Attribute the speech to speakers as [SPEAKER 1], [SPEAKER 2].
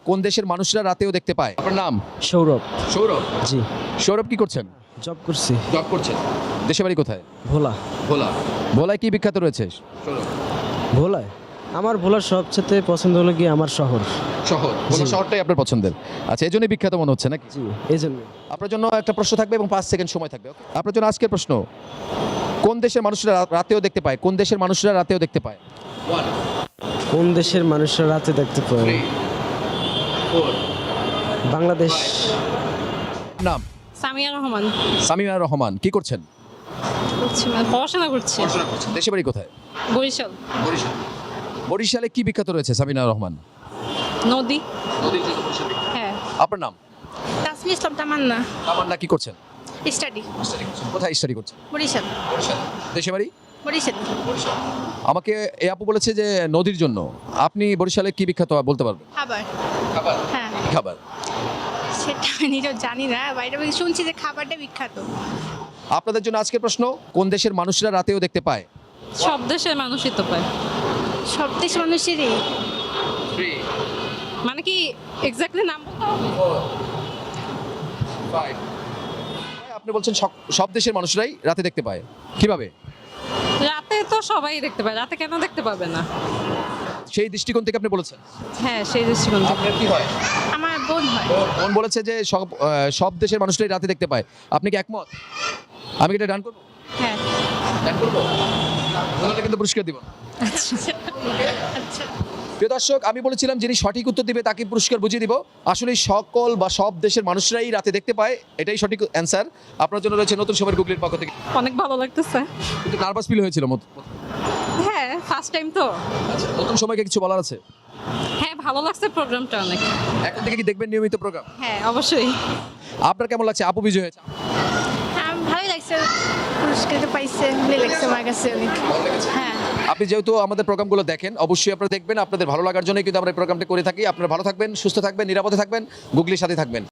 [SPEAKER 1] কোন দেশের মানুষরা রাতেও দেখতে পায়? আপনার নাম?
[SPEAKER 2] সৌরভ।
[SPEAKER 1] সৌরভ।
[SPEAKER 2] জি।
[SPEAKER 1] সৌরভ কি করছেন?
[SPEAKER 2] জব করছি।
[SPEAKER 1] জব করছেন। দেশে বাড়ি কোথায়?
[SPEAKER 2] ভোলা।
[SPEAKER 1] ভোলা। ভোলায় কি বিখ্যাত রয়েছে? সৌরভ।
[SPEAKER 2] ভোলায় আমার ভোলার সবচেয়ে পছন্দ হলো কি আমার শহর।
[SPEAKER 1] শহর। ভোলা
[SPEAKER 2] জি।
[SPEAKER 1] শহরটাই আপনার পছন্দের। আচ্ছা, এই জন্যই বিখ্যাত মনে হচ্ছে নাকি?
[SPEAKER 2] জি, এই জন্য।
[SPEAKER 1] আপনার জন্য একটা প্রশ্ন থাকবে এবং 5 সেকেন্ড সময় থাকবে। ওকে? আপনার জন্য আজকের প্রশ্ন, কোন দেশের মানুষরা রাতেও দেখতে পায়? কোন দেশের মানুষরা রাতেও দেখতে পায়? 1
[SPEAKER 2] কোন দেশের মানুষরা রাতে দেখতে পায়?
[SPEAKER 1] 3 4
[SPEAKER 2] বাংলাদেশ।
[SPEAKER 1] নাম?
[SPEAKER 3] সামিয়া রহমান।
[SPEAKER 1] সামিমা রহমান। কি করছেন?
[SPEAKER 3] করছি মানে পড়াশোনা করছি।
[SPEAKER 1] পড়াশোনা করছেন। দেশে বাড়ি কোথায়?
[SPEAKER 3] বরিশাল।
[SPEAKER 1] বরিশাল। বরিশালে কি বিখ্যাত রয়েছে সামিনা রহমান?
[SPEAKER 3] নদী।
[SPEAKER 1] নদীর জন্য বরিশাল।
[SPEAKER 3] হ্যাঁ।
[SPEAKER 1] আপনার নাম?
[SPEAKER 3] তাসমি ইসলাম তামান্না।
[SPEAKER 1] তামান্না কি করছেন?
[SPEAKER 3] স্টাডি।
[SPEAKER 1] কোথায় স্টাডি করছেন?
[SPEAKER 3] বরিশাল।
[SPEAKER 1] বরিশাল। দেশে বাড়ি?
[SPEAKER 3] বরিশাল।
[SPEAKER 1] আমাকে এই আপু বলেছে যে নদীর জন্য। আপনি বরিশালে কি বিখ্যাত বলতে পারবেন?
[SPEAKER 3] খাবার।
[SPEAKER 1] খাবার।
[SPEAKER 3] হ্যাঁ।
[SPEAKER 1] কি খাবার?
[SPEAKER 3] সেটা আমি নিজেও জানি না, বাইরে থেকে শুনছি যে খাবারটা বিখ্যাত।
[SPEAKER 1] আপনাদের জন্য আজকের প্রশ্ন, কোন দেশের মানুষরা রাতেও দেখতে পায়?
[SPEAKER 3] সব দেশের মানুষই তো পায়। সব দেশ মানুষেরই
[SPEAKER 1] 3
[SPEAKER 3] মানে কি এক্স্যাক্টলি নাম বলতে হবে?
[SPEAKER 1] 4 5 আপনি বলছেন সব দেশের মানুষরাই রাতে দেখতে পায়। কিভাবে?
[SPEAKER 3] রাতে তো সবাই দেখতে পায়, রাতে কেন দেখতে পাবে না?
[SPEAKER 1] সেই দৃষ্টিকোণ থেকে আপনি বলেছেন।
[SPEAKER 3] হ্যাঁ, সেই দৃষ্টিকোণ থেকে।
[SPEAKER 1] আপনার কি হয়?
[SPEAKER 3] আমার বোন হয়।
[SPEAKER 1] বোন বলেছে যে সব দেশের মানুষরাই রাতে দেখতে পায়। আপনি কি একমত? আমি কি এটা ডান করবো?
[SPEAKER 3] হ্যাঁ।
[SPEAKER 1] ডান করবো? তাহলে কিন্তু পুরস্কার দিব না।
[SPEAKER 3] আচ্ছা।
[SPEAKER 1] প্রিয় দর্শক, আমি বলেছিলাম যিনি সঠিক উত্তর দিবে তাকে পুরস্কার বুঝিয়ে দিব। আসলে সকল বা সব দেশের মানুষরাই রাতে দেখতে পায়, এটাই সঠিক অ্যান্সার। আপনার জন্য রয়েছে নতুন সময়ের গুগলির পক্ষ থেকে।
[SPEAKER 3] অনেক ভালো লাগতেছে।
[SPEAKER 1] কিন্তু নার্ভাস ফিল হয়েছিল
[SPEAKER 3] হ্যাঁ, ফার্স্ট টাইম তো।
[SPEAKER 1] আচ্ছা, নতুন সময়কে কিছু বলার আছে?
[SPEAKER 3] হ্যাঁ, ভালো লাগছে প্রোগ্রামটা অনেক।
[SPEAKER 1] এখন থেকে কি দেখবেন নিয়মিত প্রোগ্রাম?
[SPEAKER 3] হ্যাঁ, অবশ্যই।
[SPEAKER 1] আপনার কেমন লাগছে? আপু বিজয় হয়েছে।
[SPEAKER 3] ভালোই লাগছে, পুরস্কার পাইছে, ভালোই লাগছে আমার কাছে অনেক। হ্যাঁ।
[SPEAKER 1] আপনি যেহেতু আমাদের প্রোগ্রামগুলো দেখেন, অবশ্যই আপনারা দেখবেন। আপনাদের ভালো লাগার জন্যই কিন্তু আমরা এই প্রোগ্রামটা করে থাকি। আপনারা ভালো থাকবেন, সুস্থ থাকবেন, নিরাপদে থাকবেন, গুগলির সাথে থাকবেন।